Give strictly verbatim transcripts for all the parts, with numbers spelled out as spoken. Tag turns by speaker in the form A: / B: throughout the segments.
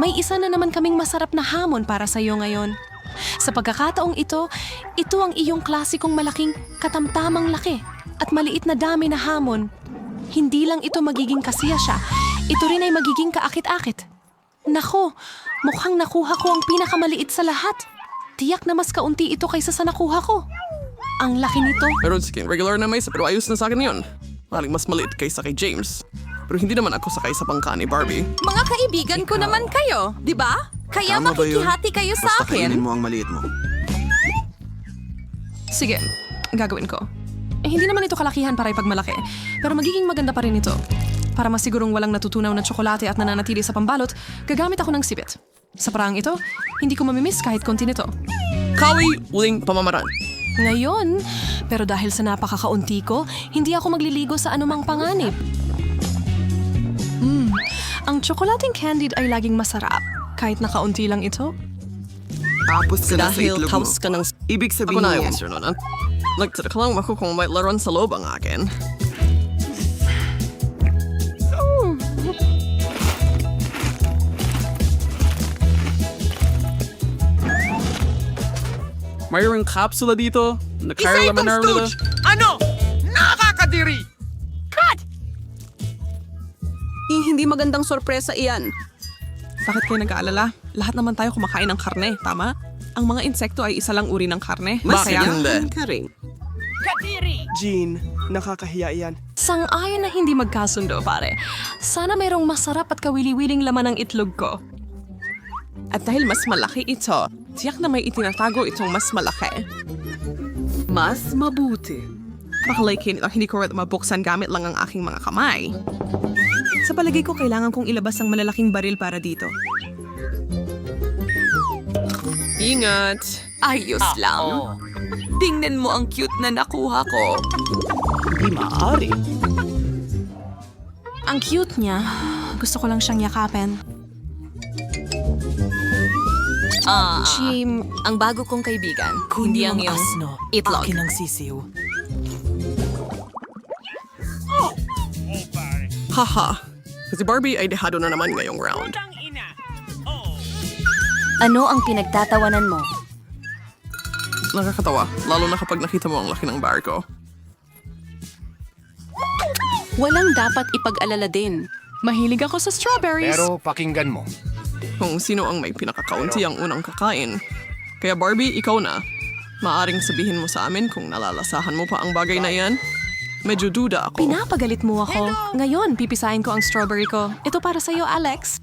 A: may isa na naman kaming masarap na hamon para sa iyo ngayon. Sa pagkakataong ito, ito ang iyong klasikong malaking katamtamang laki at maliit na dami na hamon. Hindi lang ito magiging kasiya siya, ito rin ay magiging kaakit-akit. Nako, mukhang nakuha ko ang pinakamaliit sa lahat. Tiyak na mas kaunti ito kaysa sa nakuha ko. Ang laki nito.
B: Meron sige, regular na may isa pero ayos na sa akin yun. Maling mas maliit kaysa kay James. Pero hindi naman ako sakay sa bangka ni Barbie.
C: Mga kaibigan ko naman kayo, di ba? Kaya
D: Tama ba yun?
C: makikihati kayo sa
D: Basta kainin
C: akin.
D: mo ang maliit mo.
A: Sige, gagawin ko. Eh, hindi naman ito kalakihan para ipagmalaki, pero magiging maganda pa rin ito. Para masigurong walang natutunaw na tsokolate at nananatili sa pambalot, gagamit ako ng sipit. Sa paraang ito, hindi ko mamimiss kahit konti nito.
B: Kawi, uling pamamaraan.
A: Ngayon, pero dahil sa napakakaunti ko, hindi ako magliligo sa anumang panganib. Hmm, ang tsokolating candied ay laging masarap, kahit nakaunti lang ito.
D: Tapos ka na sa
B: Dahil
D: itlog mo.
B: taos ka ng...
D: Ibig
B: Ako
D: sabihin
B: na
D: yan.
B: yung sir nun. Nagtira ka lang ako kung may laruan sa loob ang akin.
E: Mayroong kapsula dito. Nakaroon naman na rin.
F: Ano? Nakakadiri!
C: Eh, hindi magandang sorpresa iyan.
E: Bakit kayo nag-aalala? Lahat naman tayo kumakain ng karne, tama? Ang mga insekto ay isa lang uri ng karne.
B: Bakit
E: Kaya-
B: hindi?
C: Ka rin.
F: Jean, nakakahiya iyan.
A: Sang-ayon na hindi magkasundo, pare. Sana mayroong masarap at kawili-wiling laman ng itlog ko.
E: At dahil mas malaki ito, tiyak na may itinatago itong mas malaki. Mas mabuti. Bakalakin ito, hindi ko rin mabuksan gamit lang ang aking mga kamay. Sa palagay ko, kailangan kong ilabas ang malalaking baril para dito. Ingat!
C: Ayos lang. Tingnan mo ang cute na nakuha ko.
A: Ang cute niya. Gusto ko lang siyang yakapin.
C: Ah,
A: Jim,
C: ang bago kong kaibigan. Hindi ang iyong itlog.
G: Akin ang sisiw.
B: Haha. Kasi Barbie ay dehado na naman ngayong round.
H: Ano ang pinagtatawanan mo?
B: Nakakatawa, lalo na kapag nakita mo ang laki ng bar ko.
C: Walang dapat ipag-alala din.
A: mahilig ako sa strawberries.
F: Pero pakinggan mo.
B: Kung sino ang may pinakakaunti ang unang kakain. Kaya Barbie, ikaw na. Maaring sabihin mo sa amin kung nalalasahan mo pa ang bagay na iyan. Medyo duda ako.
A: Pinapagalit mo ako. Ngayon, pipisahin ko ang strawberry ko. Ito para sa'yo, Alex.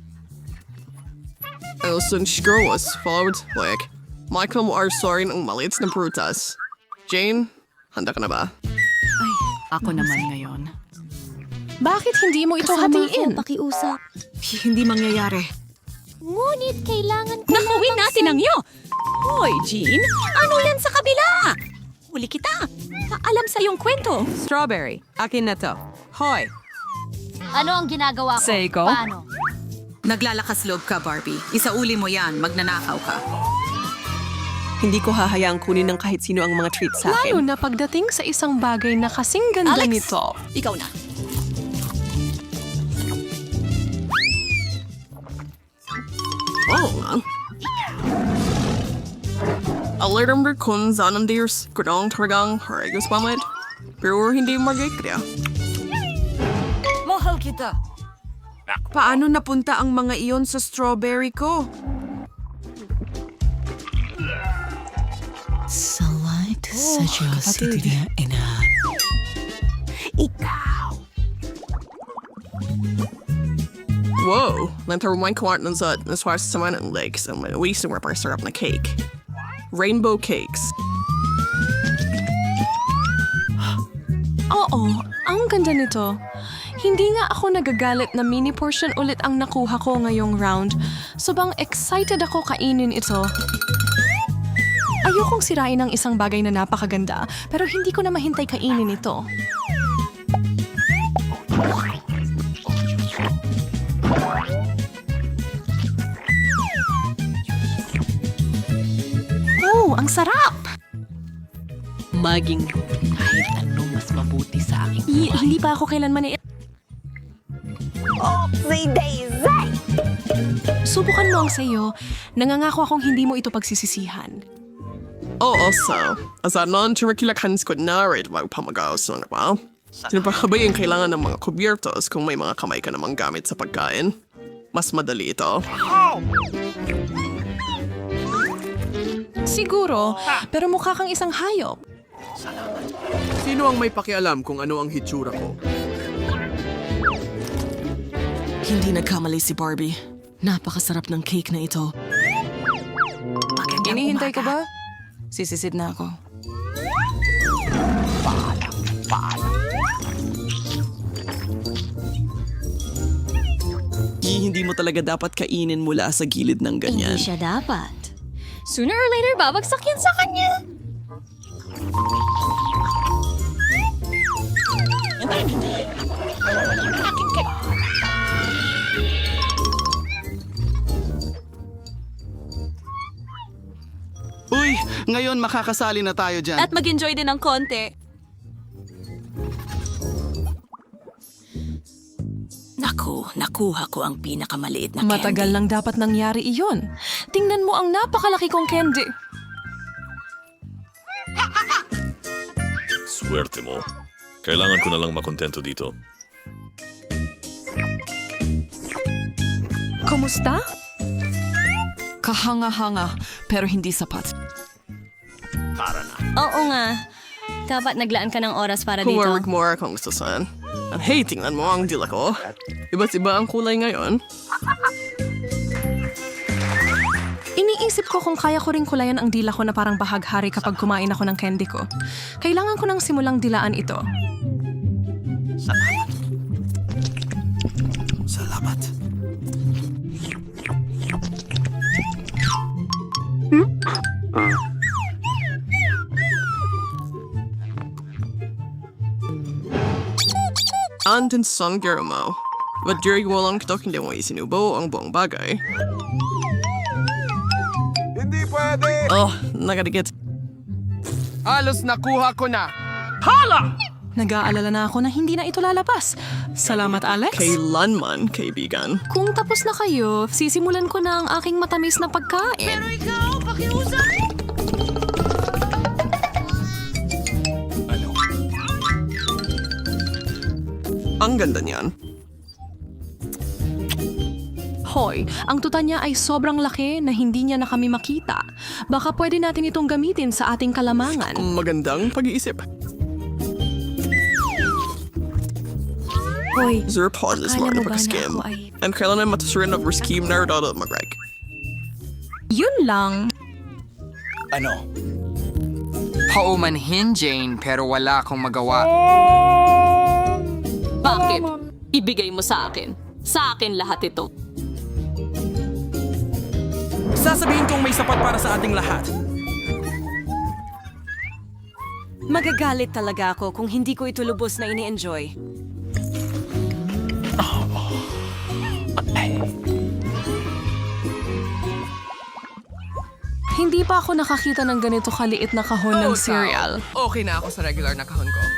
B: Elson Shigro was followed like Michael mo are sorry ng maliit na prutas. Jane, handa ka na ba?
G: Ako naman ngayon.
A: Bakit hindi mo ito hatiin?
H: pakiusap.
G: Hindi mangyayari.
H: Ngunit kailangan ko
C: Nakawin natin ang iyo! Hoy, Jean! Ano yan sa kabila? Huli kita! Paalam sa iyong kwento.
E: Strawberry, akin na to. Hoy!
H: Ano ang ginagawa ko?
G: Seiko?
H: Paano?
G: Naglalakas loob ka, Barbie. Isauli mo yan. Magnanakaw ka.
B: Hindi ko hahayaang kunin ng kahit sino ang mga treats sa
A: Lalo
B: akin.
A: na pagdating sa isang bagay na kasing ganda
C: Alex,
A: nito.
C: ikaw na.
B: Oo nga. Alerm der kun zanen dirs, kudong targang, haragus pamit. Pero hindi magikriya.
C: Mahal kita.
I: Paano napunta ang mga iyon sa strawberry ko?
G: Salite sa Diyos itinya ina.
B: Whoa! Lantar wine kwart ng zat, naswas sa man ng legs, ang mawising rapar sarap na cake. Rainbow cakes.
A: Oo, ang ganda nito. Hindi nga ako nagagalit na mini portion ulit ang nakuha ko ngayong round. Sobrang excited ako kainin ito. Ayokong sirain ang isang bagay na napakaganda, pero hindi ko na mahintay kainin ito. Oh, ang sarap!
G: Maging kahit anong mas mabuti sa aking
A: I- hindi pa ako kailanman i- subukan mo ang sayo. Nangangako akong hindi mo ito pagsisisihan.
B: Oh, also, as a non-curricular ko na rin magpamagaos ng ba? Sino pa ba yung kailangan ng mga kubiertos kung may mga kamay ka namang gamit sa pagkain? Mas madali ito.
A: Siguro, pero mukha kang isang hayop.
F: Sino ang may pakialam kung ano ang hitsura ko?
E: Hindi nagkamali si Barbie. Napakasarap ng cake na ito.
I: Inihintay ko ba? Sisisid na ako.
E: Hindi mo talaga dapat kainin mula sa gilid ng ganyan.
H: Hindi siya dapat. Sooner or later, babagsak yan sa kanya.
D: Uy, ngayon makakasali na tayo dyan.
C: At mag-enjoy din ng konti. Naku, nakuha ko ang pinakamaliit na candy.
A: Matagal lang dapat nangyari iyon. Tingnan mo ang napakalaki kong candy.
J: Swerte mo. Kailangan ko na lang makontento dito.
A: Kumusta?
E: Kahanga-hanga, pero hindi sapat.
H: Oo nga. Dapat naglaan ka ng oras para
B: Kung
H: dito.
B: warwag mo kung gusto saan. Ang hey, tingnan mo ang dila ko. Iba't iba ang kulay ngayon.
A: Iniisip ko kung kaya ko rin kulayan ang dila ko na parang bahaghari kapag kumain ako ng candy ko. Kailangan ko nang simulang dilaan ito.
D: Salamat.
B: Andun son mo. But during mo lang ito hindi mo isinubo ang buong bagay.
F: Hindi pwede!
B: Oh, nakadigit.
F: Halos nakuha ko na.
A: Nag-aalala na ako na hindi na ito lalabas. Salamat, Alex.
B: Kailan man, kaibigan.
A: Kung tapos na kayo, sisimulan ko na ang aking matamis na pagkain. Pero ikaw, pakiusap!
B: Ang ganda niyan.
A: Hoy, ang tuta niya ay sobrang laki na hindi niya na kami makita. Baka pwede natin itong gamitin sa ating kalamangan.
B: Magandang pag-iisip.
A: Hoy,
B: Zero pauses
A: akala
B: more
A: mo
B: na
A: ba na
B: pag-skim.
A: ako ay-
B: And kailan na matasurin of skim na rin mag-rag.
A: yun lang.
K: Ano? Paumanhin, Jane, pero wala akong magawa.
C: Bakit? Ibigay mo sa akin. Sa akin lahat ito.
F: Sasabihin kong may sapat para sa ating lahat.
C: Magagalit talaga ako kung hindi ko ito lubos na ini-enjoy.
A: Hindi pa ako nakakita ng ganito kaliit na kahon ng cereal.
F: Okay na ako sa regular na kahon ko.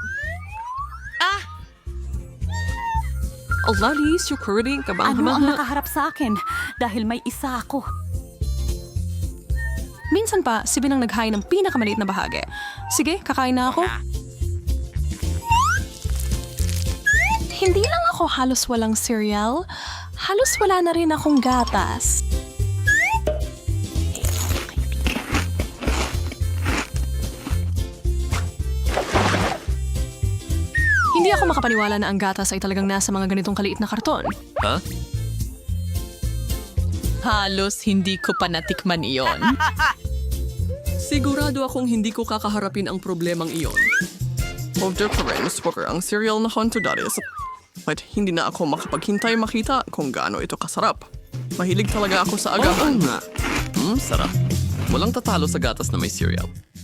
E: Alalis, yung curling,
C: Ano ang
E: kabang-habang.
C: nakaharap sa akin? Dahil may isa ako.
A: Minsan pa, si Binang naghain ng pinakamaliit na bahagi. Sige, kakain na ako. Hindi lang ako halos walang cereal. Halos wala na rin akong gatas. Hindi ako makapaniwala na ang gatas ay talagang nasa mga ganitong kaliit na karton.
J: Ha?
E: Halos hindi ko pa natikman iyon.
B: Sigurado akong hindi ko kakaharapin ang problemang iyon. Order pa rin, spoker ang cereal na honto dati sa... At hindi na ako makapaghintay makita kung gaano ito kasarap. Mahilig talaga ako sa agahan.
J: Oo nga. Hmm, sarap. Walang tatalo sa gatas na may cereal.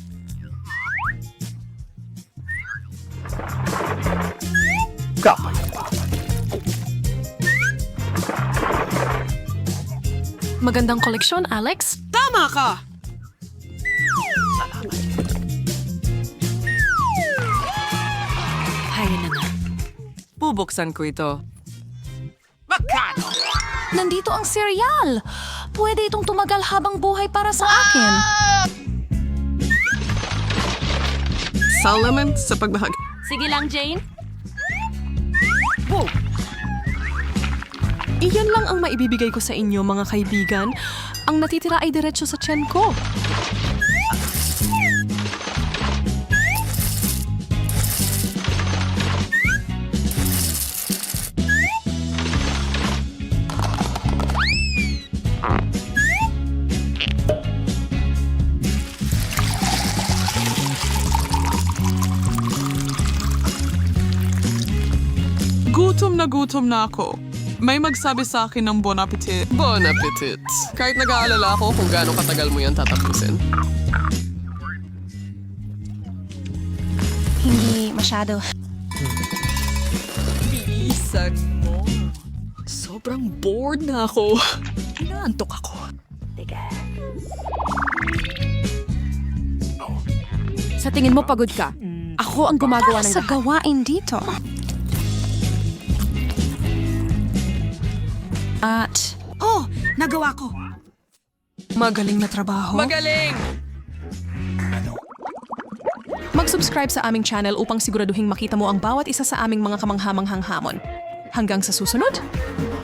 A: Magandang koleksyon, Alex.
I: Tama ka!
C: Kaya na na.
I: Bubuksan ko ito.
A: Nandito ang cereal! Pwede itong tumagal habang buhay para sa akin.
B: Salamat sa pagbahagi.
H: Sige lang, Jane.
A: Iyan lang ang maibibigay ko sa inyo, mga kaibigan. Ang natitira ay diretsyo sa tiyan ko.
B: Gutom na gutom na ako. May magsabi sa akin ng bon appetit. Bon appetit. Kahit nag-aalala ako kung gaano katagal mo yan tatapusin.
A: Hindi masyado.
B: Bilisan mo. Sobrang bored na ako. Inaantok ako.
I: Sa tingin mo pagod ka? Ako ang gumagawa ng
A: Sa
I: lahat.
A: gawain dito. At
G: Oh, nagawa ko.
A: magaling na trabaho.
B: Magaling!
A: Mag-subscribe sa aming channel upang siguraduhing makita mo ang bawat isa sa aming mga kamanghamanghang hamon. Hanggang sa susunod,